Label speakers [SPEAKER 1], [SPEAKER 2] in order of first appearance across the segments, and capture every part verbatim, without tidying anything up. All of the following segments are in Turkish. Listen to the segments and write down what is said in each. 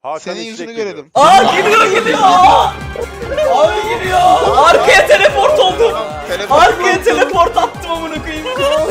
[SPEAKER 1] Hakan
[SPEAKER 2] Senin
[SPEAKER 1] İşlek
[SPEAKER 2] yüzünü
[SPEAKER 1] geliyor.
[SPEAKER 2] görelim.
[SPEAKER 3] Aa geliyor geliyor. Aa! Abi geliyor. Arkaya teleport oldum.
[SPEAKER 2] Telefon
[SPEAKER 3] Arkaya teleport attım amına koyayım.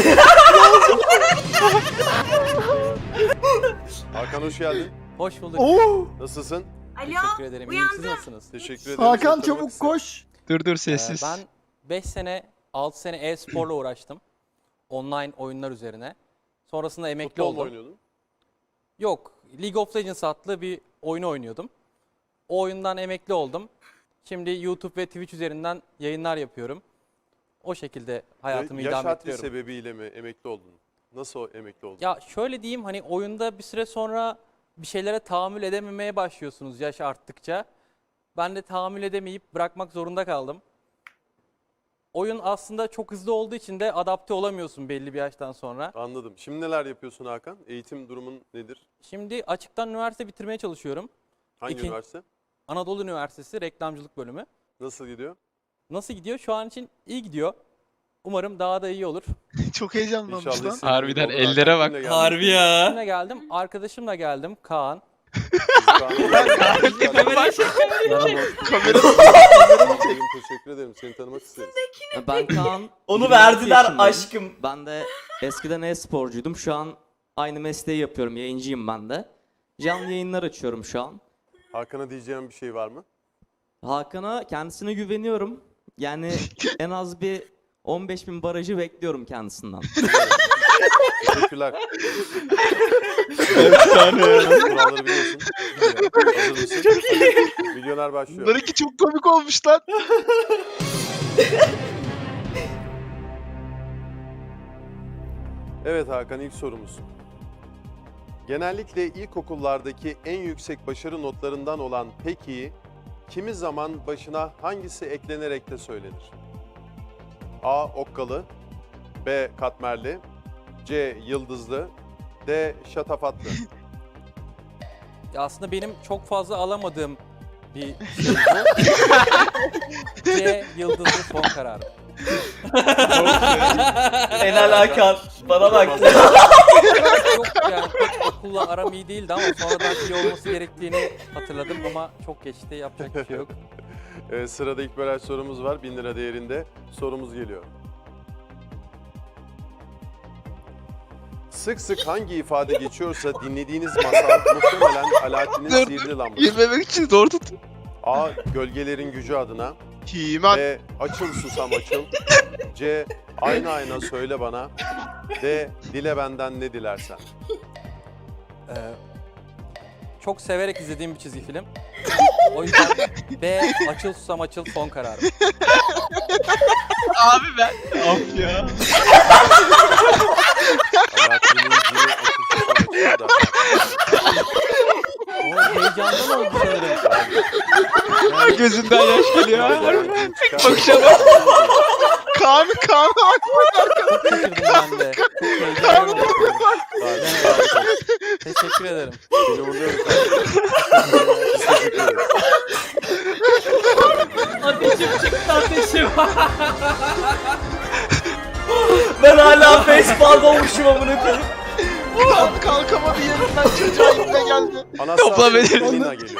[SPEAKER 1] Hakan hoş geldin.
[SPEAKER 4] Hoş bulduk.
[SPEAKER 5] Oo!
[SPEAKER 1] Nasılsın?
[SPEAKER 4] Teşekkür
[SPEAKER 6] Alo,
[SPEAKER 4] ederim. İyiyim. Siz
[SPEAKER 6] uyandım.
[SPEAKER 4] nasılsınız?
[SPEAKER 1] Teşekkür ederim.
[SPEAKER 5] Hakan
[SPEAKER 1] Seni tanımak
[SPEAKER 5] çabuk
[SPEAKER 1] isterim.
[SPEAKER 5] koş.
[SPEAKER 2] Dur dur
[SPEAKER 4] Ee,
[SPEAKER 2] sessiz.
[SPEAKER 4] ben beş sene, altı sene e-sporla uğraştım. Online oyunlar üzerine. Sonrasında emekli
[SPEAKER 1] Futbol mu
[SPEAKER 4] oldum.
[SPEAKER 1] oynuyordun?
[SPEAKER 4] Yok, League of Legends adlı bir oyunu oynuyordum. O oyundan emekli oldum. Şimdi YouTube ve Twitch üzerinden yayınlar yapıyorum. O şekilde hayatımı
[SPEAKER 1] Yaş
[SPEAKER 4] idame
[SPEAKER 1] haddi
[SPEAKER 4] ettiriyorum.
[SPEAKER 1] sebebiyle mi emekli oldun? Nasıl o emekli oldun?
[SPEAKER 4] Ya şöyle diyeyim, hani oyunda bir süre sonra bir şeylere tahammül edememeye başlıyorsunuz yaş arttıkça. Ben de tahammül edemeyip bırakmak zorunda kaldım. Oyun aslında çok hızlı olduğu için de adapte olamıyorsun belli bir yaştan sonra.
[SPEAKER 1] Anladım. Şimdi neler yapıyorsun Hakan? Eğitim durumun nedir?
[SPEAKER 4] Şimdi açıktan üniversite bitirmeye çalışıyorum.
[SPEAKER 1] Hangi
[SPEAKER 4] İki-
[SPEAKER 1] üniversite?
[SPEAKER 4] Anadolu Üniversitesi Reklamcılık Bölümü.
[SPEAKER 1] Nasıl gidiyor?
[SPEAKER 4] Nasıl gidiyor? Şu an için iyi gidiyor. Umarım daha da iyi olur.
[SPEAKER 2] Çok heyecanlanmış
[SPEAKER 1] İnşallah
[SPEAKER 2] lan.
[SPEAKER 1] istediğin
[SPEAKER 2] Harbiden
[SPEAKER 1] gibi olur. Hakan,
[SPEAKER 2] ellere bak.
[SPEAKER 1] kimle geldin?
[SPEAKER 3] Harbi ya.
[SPEAKER 4] Kimle geldim? Arkadaşımla geldim. Kaan.
[SPEAKER 2] Kamera
[SPEAKER 1] Teşekkür ederim. Seni tanımak isteriz.
[SPEAKER 7] Ben Kaan.
[SPEAKER 3] Onu
[SPEAKER 7] yirmi altı
[SPEAKER 3] verdiler
[SPEAKER 7] yaşındayım.
[SPEAKER 3] aşkım.
[SPEAKER 7] Ben de eskiden e-sporcuydum. Şu an aynı mesleği yapıyorum. Yayıncıyım ben de. Canlı yayınlar açıyorum şu an.
[SPEAKER 1] Hakan'a diyeceğim bir şey var mı?
[SPEAKER 7] Hakan'a kendisine güveniyorum. Yani en az bir on beş bin barajı bekliyorum kendisinden.
[SPEAKER 1] Teşekkürler. Kuralları biliyorsun. Hazır mısın? Çok iyi. Milyoner başlıyor.
[SPEAKER 2] Bunlarınki çok komik olmuş lan.
[SPEAKER 1] Evet Hakan, ilk sorumuz. Genellikle ilkokullardaki en yüksek başarı notlarından olan peki kimi zaman başına hangisi eklenerek de söylenir? A. Okkalı, B. Katmerli, C. Yıldızlı, D. Şatafatlı.
[SPEAKER 4] Ya aslında benim çok fazla alamadığım bir şey bu. C. Yıldızlı son kararım.
[SPEAKER 3] Helal Hakan. Bana bak.
[SPEAKER 4] Yok yani pek okulla aram iyi değildi ama sonradan iyi olması gerektiğini hatırladım ama çok geçti, yapacak bir şey yok.
[SPEAKER 1] Ee, sırada ilk baraj sorumuz var. bin lira değerinde sorumuz geliyor. Sık sık hangi ifade geçiyorsa dinlediğiniz masal muhtemelen Alaaddin'in
[SPEAKER 2] Dur,
[SPEAKER 1] sihirli lambası.
[SPEAKER 2] Yememek için zor tut.
[SPEAKER 1] A. Gölgelerin gücü adına.
[SPEAKER 2] Himan.
[SPEAKER 1] B. Açıl susam açıl. C. Ayna ayna söyle bana. D. Dile benden ne dilersen.
[SPEAKER 4] Ee, çok severek izlediğim bir çizgi film. O yüzden B. Açıl susam açıl son kararım.
[SPEAKER 2] Abi ben. Of ya.
[SPEAKER 1] Alaaddin'in cini açıl susam açıl da.
[SPEAKER 4] O heyecandan oldu sanırım.
[SPEAKER 2] Gözünden yaş geliyor.
[SPEAKER 1] Alaaddin çıkar.
[SPEAKER 2] Bakışa Kaan Kaan.
[SPEAKER 4] Çok şaşırdım ben de. Çok heyecandan oldu. Teşekkür ederim.
[SPEAKER 1] Seni uğurluyoruz. Teşekkür ederiz.
[SPEAKER 3] Ateşim çıktı ateşim. Ben hala facepalm olmuşum amına koyayım.
[SPEAKER 2] Kalk kalkamadı yerinden çocuğa ipne geldi.
[SPEAKER 1] Anastasya
[SPEAKER 2] verelim.
[SPEAKER 1] Lina geliyor.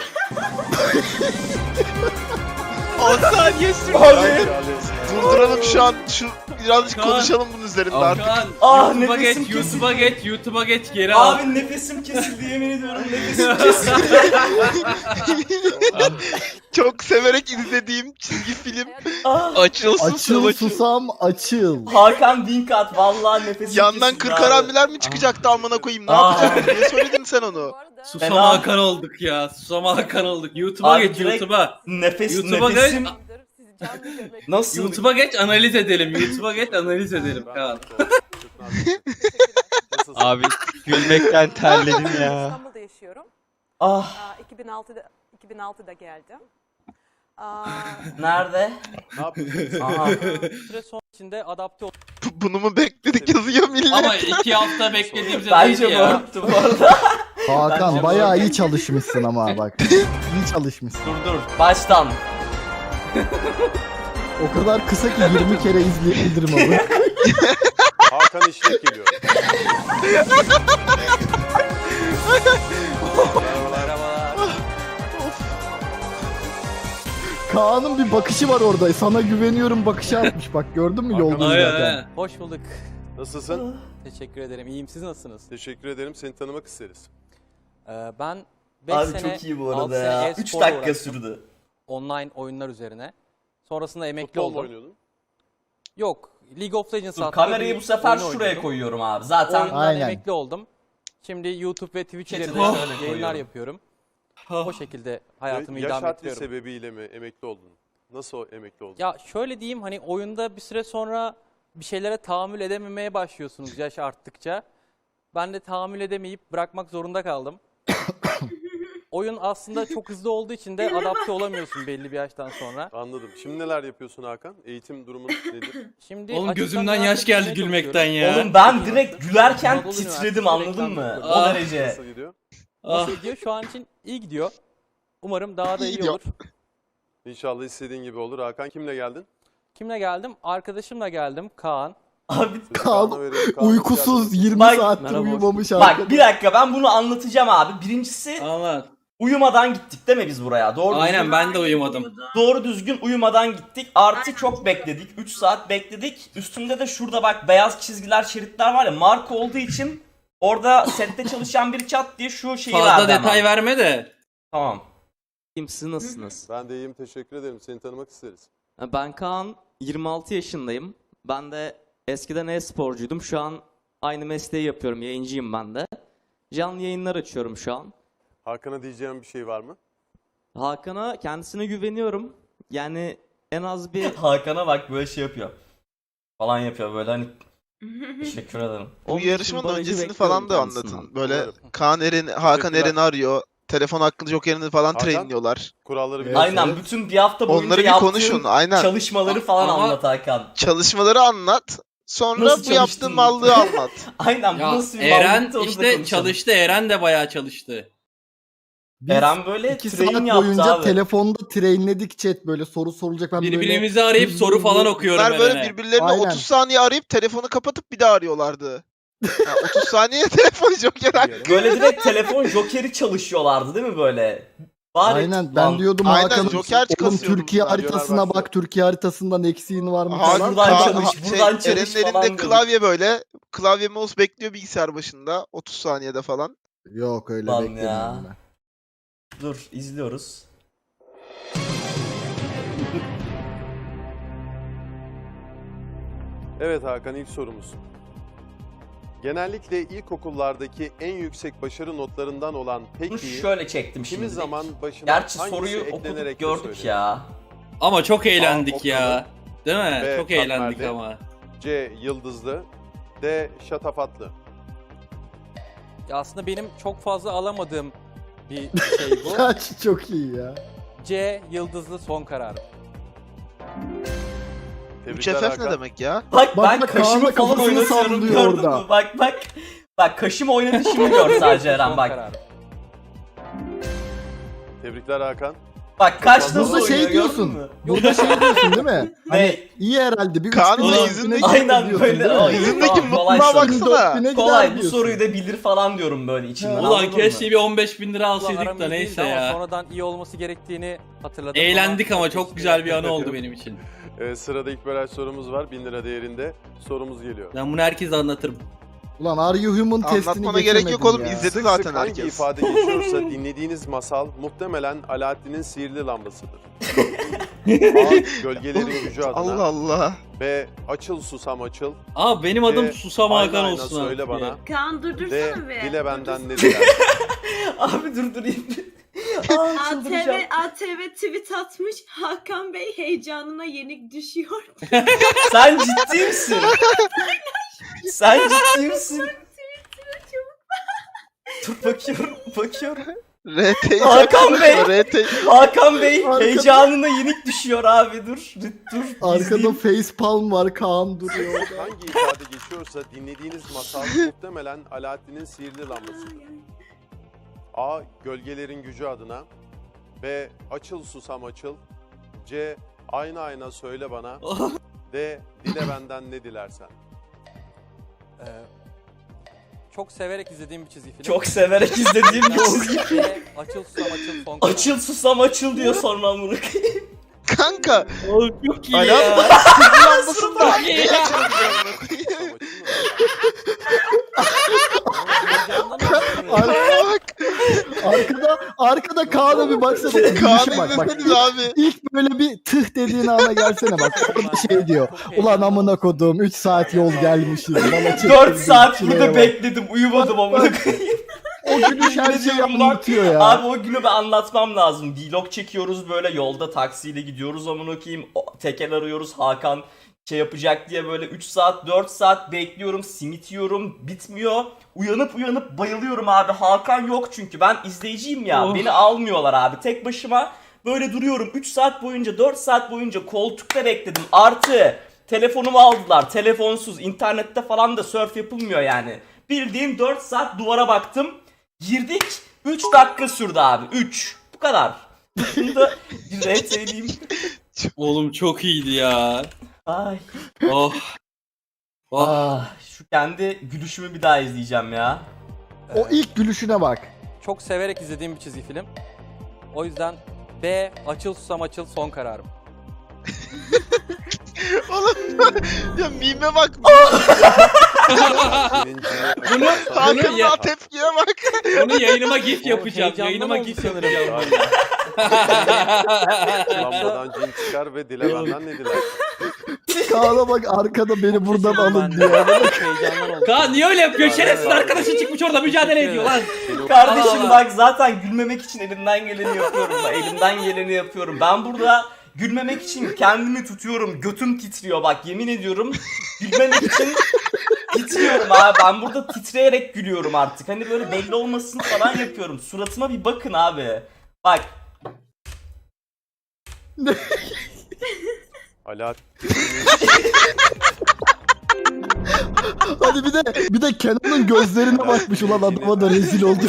[SPEAKER 2] on saniye sürdü.
[SPEAKER 3] Abi.
[SPEAKER 2] Durduralım şu an. Şu birazcık konuşalım bunun üzerinde artık.
[SPEAKER 8] Kaan,
[SPEAKER 3] Ah,
[SPEAKER 8] YouTube'a
[SPEAKER 3] nefesim
[SPEAKER 8] geç, YouTube'a geç, YouTube'a geç, geri al.
[SPEAKER 3] Abi nefesim kesildi yemin ediyorum nefesim kesildi.
[SPEAKER 2] Çok severek izlediğim çizgi film.
[SPEAKER 3] Ah.
[SPEAKER 2] Açılsın
[SPEAKER 5] Açıl susam açıl.
[SPEAKER 3] Hakan Wink at vallahi nefesim
[SPEAKER 2] Yandan
[SPEAKER 3] kesildi
[SPEAKER 2] kır
[SPEAKER 3] abi.
[SPEAKER 2] karambiler mi çıkacaktı amına koyayım? Ne
[SPEAKER 3] Aa.
[SPEAKER 2] yapacaktın? Niye söyledin sen onu?
[SPEAKER 8] Susam
[SPEAKER 3] Fena.
[SPEAKER 8] Hakan olduk ya, susam Hakan olduk. YouTube'a
[SPEAKER 3] Abi
[SPEAKER 8] geç,
[SPEAKER 3] direkt-
[SPEAKER 8] YouTube'a.
[SPEAKER 3] Nefes
[SPEAKER 8] YouTube'a
[SPEAKER 3] nefesim
[SPEAKER 8] geç,
[SPEAKER 3] nasıl?
[SPEAKER 8] YouTube'a geç, analiz edelim. YouTube'a geç, analiz edelim Kaan.
[SPEAKER 1] Abi
[SPEAKER 2] Gülmekten terledim
[SPEAKER 6] İstanbul'da yaşıyorum.
[SPEAKER 3] Ah
[SPEAKER 6] Aa, iki bin altıda iki bin altıda geldim. Aa,
[SPEAKER 3] nerede?
[SPEAKER 1] ne yapıyorsun?
[SPEAKER 3] Aha.
[SPEAKER 4] Bir süre sonra içinde adapte ol.
[SPEAKER 2] Bunu mu bekledik yazıyor millet?
[SPEAKER 8] Ama iki hafta beklediğimizde
[SPEAKER 3] Bence
[SPEAKER 8] değildi ya.
[SPEAKER 3] morptu bu arada.
[SPEAKER 5] Hakan
[SPEAKER 3] Bence
[SPEAKER 5] bayağı
[SPEAKER 3] bu-
[SPEAKER 5] iyi çalışmışsın ama bak. İyi çalışmışsın.
[SPEAKER 3] Dur dur baştan.
[SPEAKER 5] O kadar kısa ki yirmi kere izleyebilirim abi.
[SPEAKER 1] Hakan İşlek geliyor.
[SPEAKER 4] Merhabalar.
[SPEAKER 5] Kaan'ın bir bakışı var orada. Sana güveniyorum bakışı atmış. Bak gördün mü yolda
[SPEAKER 8] Aynen
[SPEAKER 5] yürürken.
[SPEAKER 8] aynen.
[SPEAKER 4] Hoş bulduk.
[SPEAKER 1] Nasılsın?
[SPEAKER 4] Teşekkür ederim. İyiyim. Siz nasılsınız?
[SPEAKER 1] Teşekkür ederim. Seni tanımak isteriz.
[SPEAKER 4] Ee, ben beş
[SPEAKER 3] Abi
[SPEAKER 4] sene,
[SPEAKER 3] çok iyi bu
[SPEAKER 4] altı
[SPEAKER 3] arada
[SPEAKER 4] sene
[SPEAKER 3] ya.
[SPEAKER 4] e-sporla
[SPEAKER 3] üç dakika
[SPEAKER 4] uğraştım.
[SPEAKER 3] sürdü.
[SPEAKER 4] Online oyunlar üzerine. Sonrasında emekli
[SPEAKER 1] Futbol mu
[SPEAKER 4] oldum.
[SPEAKER 1] oynuyordun?
[SPEAKER 4] Yok. League of Legends
[SPEAKER 3] Dur
[SPEAKER 4] adlı
[SPEAKER 3] kamerayı
[SPEAKER 4] bir
[SPEAKER 3] bu sefer
[SPEAKER 4] oyunu
[SPEAKER 3] şuraya
[SPEAKER 4] oynuyordum.
[SPEAKER 3] koyuyorum abi. Zaten
[SPEAKER 4] Oyundan
[SPEAKER 5] Aynen.
[SPEAKER 4] emekli oldum. Şimdi YouTube ve Twitch
[SPEAKER 3] Chat'e
[SPEAKER 4] üzerinden
[SPEAKER 3] şöyle
[SPEAKER 4] yayınlar
[SPEAKER 3] koyuyorum.
[SPEAKER 4] yapıyorum. O şekilde hayatımı
[SPEAKER 1] Ya- Yaş
[SPEAKER 4] idame
[SPEAKER 1] haddi
[SPEAKER 4] ettiriyorum.
[SPEAKER 1] sebebiyle mi emekli oldun? Nasıl emekli oldun?
[SPEAKER 4] Ya şöyle diyeyim, hani oyunda bir süre sonra bir şeylere tahammül edememeye başlıyorsunuz yaş arttıkça. Ben de tahammül edemeyip bırakmak zorunda kaldım. Oyun aslında çok hızlı olduğu için de adapte olamıyorsun belli bir yaştan sonra.
[SPEAKER 1] Anladım. Şimdi neler yapıyorsun Hakan? Eğitim durumun nedir?
[SPEAKER 4] Şimdi
[SPEAKER 8] Oğlum
[SPEAKER 4] açıktan
[SPEAKER 8] gözümden yaş
[SPEAKER 4] üniversite
[SPEAKER 8] geldi
[SPEAKER 4] bitirmeye
[SPEAKER 8] gülmekten
[SPEAKER 4] çalışıyorum.
[SPEAKER 8] ya.
[SPEAKER 3] oğlum ben direkt gülerken
[SPEAKER 4] Anadolu
[SPEAKER 3] titredim
[SPEAKER 4] Üniversitesi
[SPEAKER 3] anladın
[SPEAKER 4] reklam
[SPEAKER 3] mı?
[SPEAKER 4] yapıyorum.
[SPEAKER 3] O
[SPEAKER 8] Ah.
[SPEAKER 3] derece.
[SPEAKER 1] Nasıl gidiyor?
[SPEAKER 8] Ah.
[SPEAKER 4] Nasıl gidiyor? Şu an için iyi gidiyor. Umarım daha da
[SPEAKER 2] İyi
[SPEAKER 4] iyi
[SPEAKER 2] gidiyor.
[SPEAKER 4] olur.
[SPEAKER 1] İnşallah istediğin gibi olur. Hakan kimle geldin?
[SPEAKER 4] Kimle geldim? Arkadaşımla geldim. Kaan.
[SPEAKER 3] Abi
[SPEAKER 1] Sözü
[SPEAKER 5] Kaan
[SPEAKER 1] Kaan'a verelim. Kaan, hoş
[SPEAKER 5] Uykusuz
[SPEAKER 1] geldin.
[SPEAKER 5] yirmi
[SPEAKER 3] Bak-
[SPEAKER 5] saattir
[SPEAKER 4] Merhaba.
[SPEAKER 5] uyumamış
[SPEAKER 3] bak
[SPEAKER 5] arkadaş.
[SPEAKER 3] bir dakika ben bunu anlatacağım abi. Birincisi
[SPEAKER 8] Anlat.
[SPEAKER 3] uyumadan gittik değil mi biz buraya? Doğru
[SPEAKER 8] Aynen
[SPEAKER 3] düzgün,
[SPEAKER 8] ben de uyumadım.
[SPEAKER 3] doğru düzgün uyumadan gittik. Artı çok bekledik. üç saat bekledik. Üstümde de şurada bak beyaz çizgiler, şeritler var ya, marka olduğu için orada sette çalışan bir çat diye şu şeyi
[SPEAKER 8] Fazla
[SPEAKER 3] verdi
[SPEAKER 8] detay
[SPEAKER 3] hemen.
[SPEAKER 8] verme de.
[SPEAKER 3] Tamam.
[SPEAKER 7] Kimsiniz, nasılsınız?
[SPEAKER 1] Ben de iyiyim. Teşekkür ederim. Seni tanımak isteriz.
[SPEAKER 7] Ben Kaan, yirmi altı yaşındayım. Ben de eskiden e-sporcuydum. Şu an aynı mesleği yapıyorum. Yayıncıyım ben de. Canlı yayınlar açıyorum şu an.
[SPEAKER 1] Hakan'a diyeceğim bir şey var mı?
[SPEAKER 7] Hakan'a, kendisine güveniyorum. Yani en az bir
[SPEAKER 3] Hakan'a bak böyle şey yapıyor. Falan yapıyor böyle hani. Teşekkür ederim.
[SPEAKER 2] Bu
[SPEAKER 7] on bin
[SPEAKER 2] yarışmanın
[SPEAKER 7] barajı
[SPEAKER 2] öncesini
[SPEAKER 7] bekliyorum
[SPEAKER 2] falan da
[SPEAKER 7] kendisinden.
[SPEAKER 2] anlatın. Böyle
[SPEAKER 1] Umarım.
[SPEAKER 2] Kaan Eren, Hakan
[SPEAKER 1] Teşekkürler.
[SPEAKER 2] Eren'i arıyor. Telefon hakkında jokerini falan
[SPEAKER 1] Hakan?
[SPEAKER 2] trainliyorlar.
[SPEAKER 1] Kuralları
[SPEAKER 5] Evet.
[SPEAKER 1] biliyorsun.
[SPEAKER 3] Aynen bütün bir hafta boyunca
[SPEAKER 2] Onları bir
[SPEAKER 3] yaptığın
[SPEAKER 2] konuşun. Aynen.
[SPEAKER 3] çalışmaları falan
[SPEAKER 8] Ama-
[SPEAKER 3] anlat Hakan.
[SPEAKER 2] Çalışmaları anlat. Sonra
[SPEAKER 3] Nasıl
[SPEAKER 2] bu yaptığın
[SPEAKER 3] çalıştın?
[SPEAKER 2] mallığı anlat.
[SPEAKER 3] Aynen bu
[SPEAKER 8] Ya
[SPEAKER 3] nasıl bir
[SPEAKER 8] Eren
[SPEAKER 3] bağlantı, onu da
[SPEAKER 8] işte
[SPEAKER 3] konuşalım.
[SPEAKER 8] çalıştı. Eren de bayağı çalıştı.
[SPEAKER 5] Biz
[SPEAKER 3] Eren böyle
[SPEAKER 5] iki
[SPEAKER 3] train
[SPEAKER 5] saat
[SPEAKER 3] yaptı
[SPEAKER 5] boyunca
[SPEAKER 3] abi.
[SPEAKER 5] telefonda trainledik chat, böyle soru sorulacak. Ben böyle
[SPEAKER 8] Birbirimizi arayıp
[SPEAKER 5] hızlı
[SPEAKER 8] soru falan
[SPEAKER 5] hızlı-
[SPEAKER 8] okuyorum
[SPEAKER 2] Bunlar böyle
[SPEAKER 8] Eren'e.
[SPEAKER 2] birbirlerine
[SPEAKER 5] Aynen.
[SPEAKER 2] otuz saniye arayıp telefonu kapatıp bir daha arıyorlardı. Yani otuz saniye telefon joker hakkı.
[SPEAKER 3] Böyle direkt telefon jokeri çalışıyorlardı değil mi böyle? Bari
[SPEAKER 5] Aynen ben
[SPEAKER 3] lan,
[SPEAKER 5] diyordum
[SPEAKER 2] Aynen,
[SPEAKER 5] Hakan'ım,
[SPEAKER 2] Joker
[SPEAKER 5] oğlum
[SPEAKER 2] kasıyordum.
[SPEAKER 5] Türkiye
[SPEAKER 1] Radyolar
[SPEAKER 5] haritasına
[SPEAKER 1] başlıyor.
[SPEAKER 5] bak, Türkiye haritasından eksiğin var mı
[SPEAKER 2] Hakan-
[SPEAKER 5] falan.
[SPEAKER 3] Buradan
[SPEAKER 2] Kaan-
[SPEAKER 3] çalış,
[SPEAKER 2] ha-
[SPEAKER 3] buradan
[SPEAKER 2] şey,
[SPEAKER 3] çalış
[SPEAKER 2] Eren'in
[SPEAKER 3] falan
[SPEAKER 2] elinde
[SPEAKER 3] diyordum.
[SPEAKER 2] klavye böyle. Klavye mouse bekliyor bilgisayar başında. otuz saniyede falan.
[SPEAKER 5] Yok öyle
[SPEAKER 3] Lan
[SPEAKER 5] beklemiyorum
[SPEAKER 3] ya.
[SPEAKER 5] ben.
[SPEAKER 3] Dur izliyoruz.
[SPEAKER 1] Evet Hakan, ilk sorumuz. Genellikle ilkokullardaki en yüksek başarı notlarından olan
[SPEAKER 3] Bunu
[SPEAKER 1] Peki'yi
[SPEAKER 3] şöyle çektim
[SPEAKER 1] kimi
[SPEAKER 3] şimdi.
[SPEAKER 1] zaman başına
[SPEAKER 3] Gerçi
[SPEAKER 1] hangisi
[SPEAKER 3] soruyu
[SPEAKER 1] eklenerek
[SPEAKER 3] okuduk
[SPEAKER 1] de
[SPEAKER 3] gördük
[SPEAKER 1] söylenir?
[SPEAKER 3] ya.
[SPEAKER 8] Ama çok eğlendik
[SPEAKER 1] Okkalı.
[SPEAKER 8] ya. Değil mi?
[SPEAKER 1] Ve
[SPEAKER 8] Çok eğlendik
[SPEAKER 1] katmerli.
[SPEAKER 8] ama.
[SPEAKER 1] C. Yıldızlı. D. Şatafatlı.
[SPEAKER 4] Ya aslında benim çok fazla alamadığım bir şey bu.
[SPEAKER 5] Kaç çok iyi ya.
[SPEAKER 4] C. Yıldızlı son kararım.
[SPEAKER 2] üç
[SPEAKER 1] Tebrikler
[SPEAKER 2] F F
[SPEAKER 1] Hakan.
[SPEAKER 2] ne demek ya?
[SPEAKER 3] Bak,
[SPEAKER 5] Bak,
[SPEAKER 3] ben
[SPEAKER 5] bak,
[SPEAKER 3] kaşımı
[SPEAKER 5] Kaan'la
[SPEAKER 3] falan
[SPEAKER 5] kafasını
[SPEAKER 3] oynatıyorum
[SPEAKER 5] sallıyor
[SPEAKER 3] gördün
[SPEAKER 5] orada.
[SPEAKER 3] mü? Bak bak. Bak kaşım oynatışımı gör sadece Eren
[SPEAKER 4] Son
[SPEAKER 3] bak.
[SPEAKER 4] kararım.
[SPEAKER 1] Tebrikler Hakan.
[SPEAKER 3] Bak kaş nasıl
[SPEAKER 5] Burada
[SPEAKER 3] oynuyor
[SPEAKER 5] şey
[SPEAKER 3] gördün
[SPEAKER 5] diyorsun.
[SPEAKER 3] mü?
[SPEAKER 5] Burada şey diyorsun değil mi?
[SPEAKER 3] Ne?
[SPEAKER 5] Hani iyi herhalde bir üç
[SPEAKER 2] Kaan'ın
[SPEAKER 5] bine,
[SPEAKER 2] da
[SPEAKER 5] dört
[SPEAKER 2] yüzündeki-
[SPEAKER 5] bine
[SPEAKER 3] Aynen
[SPEAKER 5] gidiyorsun
[SPEAKER 3] böyle,
[SPEAKER 5] değil mi?
[SPEAKER 3] ay.
[SPEAKER 2] Yüzündeki
[SPEAKER 3] Tamam, kolay
[SPEAKER 2] mutluluğa
[SPEAKER 3] soru.
[SPEAKER 2] baksana.
[SPEAKER 5] dört bine
[SPEAKER 3] Kolay
[SPEAKER 5] gider
[SPEAKER 3] bu
[SPEAKER 5] diyorsun.
[SPEAKER 3] soruyu da bilir falan diyorum böyle içimden.
[SPEAKER 8] Ulan
[SPEAKER 3] anladın
[SPEAKER 8] keşke
[SPEAKER 3] mı?
[SPEAKER 8] bir on beş bin lira
[SPEAKER 4] Ulan
[SPEAKER 8] alsaydık
[SPEAKER 4] aram
[SPEAKER 8] da
[SPEAKER 4] iyi değildi
[SPEAKER 8] neyse
[SPEAKER 4] ama
[SPEAKER 8] ya.
[SPEAKER 4] sonradan iyi olması gerektiğini hatırladım.
[SPEAKER 8] Eğlendik ama çok
[SPEAKER 4] keşke
[SPEAKER 8] güzel bir anı
[SPEAKER 4] yapsaydım.
[SPEAKER 8] oldu benim için.
[SPEAKER 1] Ee, sırada ilk baraj sorumuz var. bin lira değerinde. Sorumuz geliyor.
[SPEAKER 8] Ben bunu herkese anlatırım.
[SPEAKER 5] Ulan Are You Human testini
[SPEAKER 2] Anlatmana gerek yok
[SPEAKER 5] geçemedin
[SPEAKER 2] oğlum,
[SPEAKER 5] ya.
[SPEAKER 2] izledi
[SPEAKER 1] Sık
[SPEAKER 2] zaten
[SPEAKER 1] sık hangi
[SPEAKER 2] herkes.
[SPEAKER 1] ifade geçiyorsa dinlediğiniz masal muhtemelen Alaaddin'in sihirli lambasıdır. A. Gölgelerin gücü adına.
[SPEAKER 2] Allah Allah.
[SPEAKER 1] B. Açıl susam açıl.
[SPEAKER 8] Aa benim adım
[SPEAKER 1] D.
[SPEAKER 8] Susam
[SPEAKER 1] Ayna
[SPEAKER 8] Hakan
[SPEAKER 1] ayna
[SPEAKER 8] olsun
[SPEAKER 1] söyle
[SPEAKER 8] artık
[SPEAKER 1] bana.
[SPEAKER 8] ya.
[SPEAKER 6] Kaan
[SPEAKER 1] D.
[SPEAKER 6] durdursana be.
[SPEAKER 1] Dile benden ne
[SPEAKER 6] Durdursana.
[SPEAKER 1] diler.
[SPEAKER 3] Abi durdurayım. Aa,
[SPEAKER 6] A T
[SPEAKER 3] çıldıracağım.
[SPEAKER 6] V, A T V tweet atmış. Hakan Bey heyecanına yenik düşüyor.
[SPEAKER 3] Sen ciddi misin? Sen ciddi misin? Dur bakıyorum, bakıyorum.
[SPEAKER 2] R T
[SPEAKER 3] Hakan Bey.
[SPEAKER 2] R T
[SPEAKER 3] Hakan Bey
[SPEAKER 5] Arkada-
[SPEAKER 3] heyecanına yenik düşüyor abi dur. Dur, dur
[SPEAKER 5] Arkada
[SPEAKER 3] izleyeyim.
[SPEAKER 5] facepalm var, Kaan duruyor orada.
[SPEAKER 1] Hangi ifade geçiyorsa dinlediğiniz masal muhtemelen Alaaddin'in sihirli lambasıdır. A. Gölgelerin gücü adına. B. Açıl susam açıl. C. Ayna ayna söyle bana. D. Dile benden ne dilersen.
[SPEAKER 4] Ee, çok severek izlediğim bir çizgi film.
[SPEAKER 3] Çok severek izlediğim bir çizgi.
[SPEAKER 4] C. Açıl susam açıl son kararım.
[SPEAKER 3] Açıl susam açıl diyor sonra amına koyayım.
[SPEAKER 2] Kanka.
[SPEAKER 8] Oğlum çok iyi
[SPEAKER 2] Alarm
[SPEAKER 8] ya.
[SPEAKER 2] lambasını da
[SPEAKER 8] Çok iyi ya.
[SPEAKER 2] Arkaya bak.
[SPEAKER 5] Arkada arkada Kaan'a bir baksana. O
[SPEAKER 2] Kaan'ı
[SPEAKER 5] gülüşe bak bak.
[SPEAKER 2] izleseniz abi.
[SPEAKER 5] İlk böyle bir tıh dediğin ana gelsene bak. Orada şey diyor. Ulan amına kodum üç saat yol gelmişiz. Bana çektirdim,
[SPEAKER 3] dört saat
[SPEAKER 5] çileye
[SPEAKER 3] burada
[SPEAKER 5] bak.
[SPEAKER 3] bekledim, uyumadım amına koyayım.
[SPEAKER 5] O gülüş her şeyi
[SPEAKER 3] Diyorum lan,
[SPEAKER 5] anlatıyor ya.
[SPEAKER 3] Abi o günü ben anlatmam lazım. Vlog çekiyoruz böyle, yolda taksiyle gidiyoruz amına koyayım. O- Tekel arıyoruz, Hakan şey yapacak diye böyle üç saat dört saat bekliyorum. Simit yiyorum, bitmiyor. Uyanıp uyanıp bayılıyorum abi. Hakan yok çünkü ben izleyiciyim ya.
[SPEAKER 8] Of.
[SPEAKER 3] Beni almıyorlar abi. Tek başıma böyle duruyorum. üç saat boyunca, dört saat boyunca koltukta bekledim. Artı telefonumu aldılar. Telefonsuz, internette falan da surf yapılmıyor yani. Bildiğin dört saat duvara baktım. Girdik. üç dakika sürdü abi. üç. Bu kadar. Bunu da bir red söyleyeyim.
[SPEAKER 8] Oğlum çok iyiydi ya.
[SPEAKER 3] Ay.
[SPEAKER 8] Oh. Oh.
[SPEAKER 3] Ah, şu kendi gülüşümü bir daha izleyeceğim ya.
[SPEAKER 5] O ilk gülüşüne bak.
[SPEAKER 4] Çok severek izlediğim bir çizgi film. O yüzden B. Açıl susam açıl son kararım.
[SPEAKER 2] Oğlum ya mime bak.
[SPEAKER 8] Bunu, bunu,
[SPEAKER 2] Hakan'ın
[SPEAKER 8] ya,
[SPEAKER 2] tepkiye bak.
[SPEAKER 8] bunu yayınıma gif
[SPEAKER 4] O
[SPEAKER 8] yapacağım.
[SPEAKER 4] heyecandan
[SPEAKER 8] Yayınıma
[SPEAKER 4] oldu
[SPEAKER 8] gif
[SPEAKER 4] sanırım.
[SPEAKER 8] yapacağım.
[SPEAKER 1] Lambadan cin çıkar ve dile benden ne diler?
[SPEAKER 5] Kaan'a bak arkada beni buradan alın
[SPEAKER 4] Ben de
[SPEAKER 5] diyor.
[SPEAKER 4] çok heyecandan oldu.
[SPEAKER 8] Kaan niye öyle yapıyor? Şerefsiz arkadaşı çıkmış orada mücadele ediyor lan.
[SPEAKER 3] Kardeşim
[SPEAKER 8] Allah.
[SPEAKER 3] bak zaten gülmemek için elimden geleni yapıyorum. Bak, elimden geleni yapıyorum. Ben burada gülmemek için kendimi tutuyorum. Götüm titriyor bak, yemin ediyorum. Gülmemek için titriyorum abi. Ben burada titreyerek gülüyorum artık. Hani böyle belli olmasın falan yapıyorum. Suratıma bir bakın abi. Bak.
[SPEAKER 1] Alaaddin.
[SPEAKER 5] Hadi bir de bir de Kenan'ın gözlerine bakmış ulan adama da rezil olduk.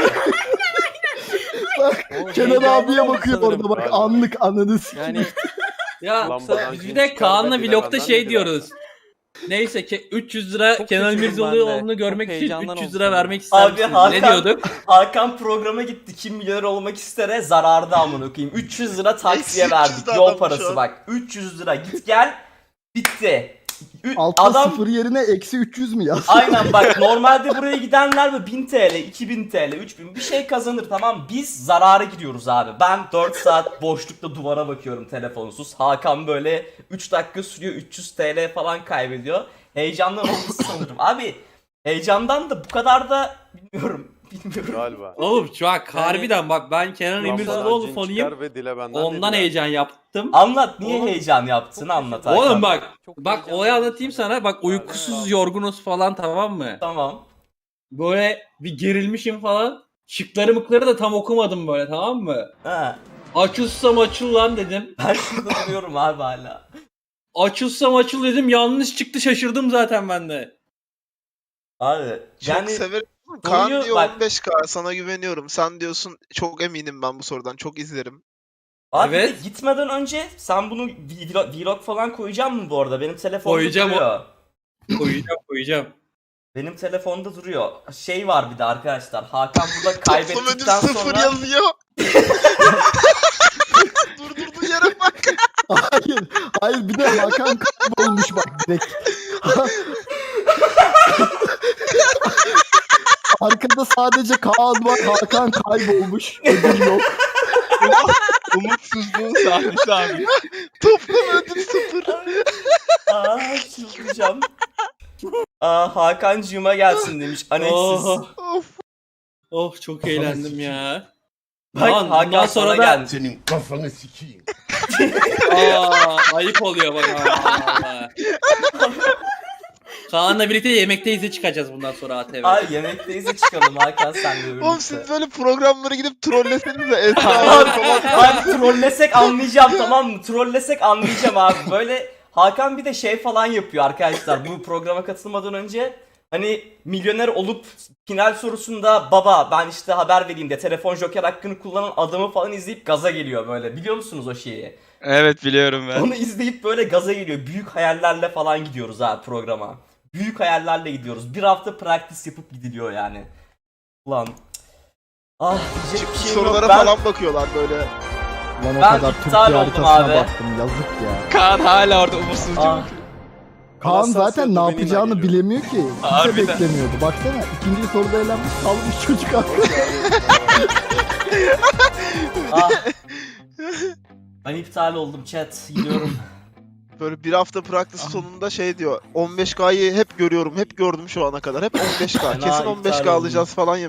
[SPEAKER 5] Bak
[SPEAKER 4] O
[SPEAKER 5] Kenan
[SPEAKER 4] heyecandan
[SPEAKER 5] abiye
[SPEAKER 4] oldu
[SPEAKER 5] bakıyor
[SPEAKER 4] sanırım.
[SPEAKER 5] orada bak
[SPEAKER 1] Galiba.
[SPEAKER 5] anlık ananı s-
[SPEAKER 4] Yani
[SPEAKER 8] Ya
[SPEAKER 1] Lambadan
[SPEAKER 8] biz
[SPEAKER 1] cin
[SPEAKER 8] bir de
[SPEAKER 1] çıkar
[SPEAKER 8] Kaan'la
[SPEAKER 1] ve dile
[SPEAKER 8] vlogda
[SPEAKER 1] benden
[SPEAKER 8] şey
[SPEAKER 1] ne diler?
[SPEAKER 8] diyoruz. Neyse ki üç yüz lira
[SPEAKER 4] Çok
[SPEAKER 8] Kenan
[SPEAKER 4] şaşırdım ben de.
[SPEAKER 8] İmirzalıoğlu'nu görmek
[SPEAKER 4] Çok
[SPEAKER 8] için
[SPEAKER 4] heyecandan
[SPEAKER 8] üç yüz
[SPEAKER 4] oldu
[SPEAKER 8] lira
[SPEAKER 4] sanırım.
[SPEAKER 8] vermek ister
[SPEAKER 3] Abi,
[SPEAKER 8] misiniz? Ne
[SPEAKER 3] Hakan-
[SPEAKER 8] diyorduk?
[SPEAKER 3] Hakan programa gitti. Kim milyoner olmak istere zararda amına koyayım. üç yüz lira taksiye
[SPEAKER 2] Eksi üç yüz
[SPEAKER 3] verdik.
[SPEAKER 2] de
[SPEAKER 3] Yol
[SPEAKER 2] adam şu
[SPEAKER 3] parası
[SPEAKER 2] an.
[SPEAKER 3] bak. üç yüz lira git gel. Bitti. Ü-
[SPEAKER 5] altta
[SPEAKER 3] Adam
[SPEAKER 5] sıfır yerine eksi üç yüz mü yaz?
[SPEAKER 3] aynen bak, normalde buraya gidenler mi bin TL, iki bin TL, üç bin bir şey kazanır, tamam, biz zarara gidiyoruz abi. Ben dört saat boşlukta duvara bakıyorum telefonsuz. Hakan böyle üç dakika sürüyor, üç yüz TL falan kaybediyor. Heyecandan olmuş sanırım. Abi heyecandan da bu kadar da bilmiyorum. Bilmiyorum.
[SPEAKER 1] Galiba.
[SPEAKER 8] Oğlum şu an
[SPEAKER 4] Yani-
[SPEAKER 8] harbiden bak ben Kenan
[SPEAKER 1] Lambadan
[SPEAKER 8] İmirzalıoğlu
[SPEAKER 1] cin
[SPEAKER 8] fanıyım.
[SPEAKER 1] çıkar ve dile benden ne
[SPEAKER 8] Ondan
[SPEAKER 1] diler?
[SPEAKER 8] heyecan yaptım.
[SPEAKER 3] Anlat, niye
[SPEAKER 8] Oğlum-
[SPEAKER 3] heyecan yaptın, anlat Hakan.
[SPEAKER 8] Oğlum bak
[SPEAKER 4] Çok
[SPEAKER 8] bak
[SPEAKER 4] heyecanlı
[SPEAKER 8] olayı
[SPEAKER 4] oldu
[SPEAKER 8] anlatayım
[SPEAKER 4] sanırım.
[SPEAKER 8] sana. Bak uykusuz yorgunuz falan, tamam mı?
[SPEAKER 3] Tamam.
[SPEAKER 8] Böyle bir gerilmişim falan. Şıkları mıkları da tam okumadım böyle, tamam mı?
[SPEAKER 3] Ha.
[SPEAKER 8] Açılsam açıl lan dedim.
[SPEAKER 3] Ben şurada duruyorum abi hala.
[SPEAKER 8] Açılsam açıl dedim, yanlış çıktı, şaşırdım zaten ben de.
[SPEAKER 3] Abi
[SPEAKER 2] Çok
[SPEAKER 3] yani
[SPEAKER 2] severim. Kaan
[SPEAKER 3] konuyu-
[SPEAKER 2] diyor
[SPEAKER 3] bak-
[SPEAKER 2] on beş K sana güveniyorum. Sen diyorsun çok eminim ben bu sorudan. Çok izlerim.
[SPEAKER 3] abi
[SPEAKER 8] Evet.
[SPEAKER 3] gitmeden önce sen bunu vlog, vlog falan koyacak mı bu arada? Benim telefonda
[SPEAKER 8] Koyacağım o-
[SPEAKER 3] duruyor.
[SPEAKER 8] Koyacağım koyacağım.
[SPEAKER 3] Benim telefonda duruyor. Şey var bir de arkadaşlar. Hakan burada
[SPEAKER 2] Toplam ödül
[SPEAKER 3] kaybettikten
[SPEAKER 2] sıfır
[SPEAKER 3] sonra
[SPEAKER 2] yazıyor. Durdurduğu yere bak.
[SPEAKER 5] Hayır. Hayır bir de Hakan kaybolmuş bak direkt. Arkada sadece Kaan var. Hakan kaybolmuş. Ödül yok.
[SPEAKER 2] Umutsuzluğun sahnesi abi. Toplam ödül sıfır.
[SPEAKER 3] aa çıldıracağım. Aa, Hakan'cığıma gelsin demiş. Aneksiz.
[SPEAKER 8] Oh,
[SPEAKER 2] Of.
[SPEAKER 8] oh çok eğlendim ya.
[SPEAKER 3] Bak
[SPEAKER 8] Lan,
[SPEAKER 3] Hakan
[SPEAKER 8] bundan
[SPEAKER 3] sana
[SPEAKER 8] sonra da-
[SPEAKER 3] gelmiş.
[SPEAKER 9] Senin kafanı sikeyim.
[SPEAKER 8] Aa, ayıp oluyor bak. Allah. Kaan'la birlikte yemekteyiz çıkacağız bundan sonra A T V'de.
[SPEAKER 3] Ay yemekteyiz de çıkalım Hakan senle birlikte.
[SPEAKER 2] Oğlum siz böyle programlara gidip trolleseniz de Esra
[SPEAKER 3] Abi,
[SPEAKER 2] falan.
[SPEAKER 3] abi trollesek anlayacağım, tamam mı? Trollesek anlayacağım abi. Böyle Hakan bir de şey falan yapıyor arkadaşlar. Bu programa katılmadan önce hani milyoner olup final sorusunda baba ben işte haber vereyim de telefon joker hakkını kullanan adamı falan izleyip gaza geliyor böyle. Biliyor musunuz o şeyi?
[SPEAKER 2] Evet biliyorum ben.
[SPEAKER 3] Onu izleyip böyle gaza geliyor. Büyük hayallerle falan gidiyoruz abi programa. Büyük hayallerle gidiyoruz. Bir hafta practice yapıp gidiliyor yani. Ulan. Ah diyecek bir şeyim yok.
[SPEAKER 2] Sorulara
[SPEAKER 3] Ben-
[SPEAKER 2] falan bakıyorlar böyle.
[SPEAKER 5] Lan o
[SPEAKER 3] Ben
[SPEAKER 5] kadar
[SPEAKER 3] iptal
[SPEAKER 5] Türkiye
[SPEAKER 3] oldum
[SPEAKER 5] haritasına
[SPEAKER 3] abi.
[SPEAKER 5] baktım yazık ya.
[SPEAKER 2] Kaan hala orada umutsuzca
[SPEAKER 3] Ah,
[SPEAKER 2] bakıyor.
[SPEAKER 5] Kaan
[SPEAKER 1] Anastasya
[SPEAKER 5] zaten ne
[SPEAKER 1] Domenina
[SPEAKER 5] yapacağını
[SPEAKER 1] geliyor.
[SPEAKER 5] bilemiyor ki. Kimse
[SPEAKER 2] Harbiden.
[SPEAKER 5] beklemiyordu. Baksana ikinci soruda eğlenmiş kalmış çocuk haklı.
[SPEAKER 3] ah. Ben iptal oldum chat. Gidiyorum.
[SPEAKER 2] Böyle bir hafta practice sonunda şey diyor. on beş K'yı hep görüyorum, hep gördüm şu ana kadar. Hep on beş K.
[SPEAKER 3] Fena
[SPEAKER 2] Kesin on beş K
[SPEAKER 3] iptal oldum.
[SPEAKER 2] alacağız falan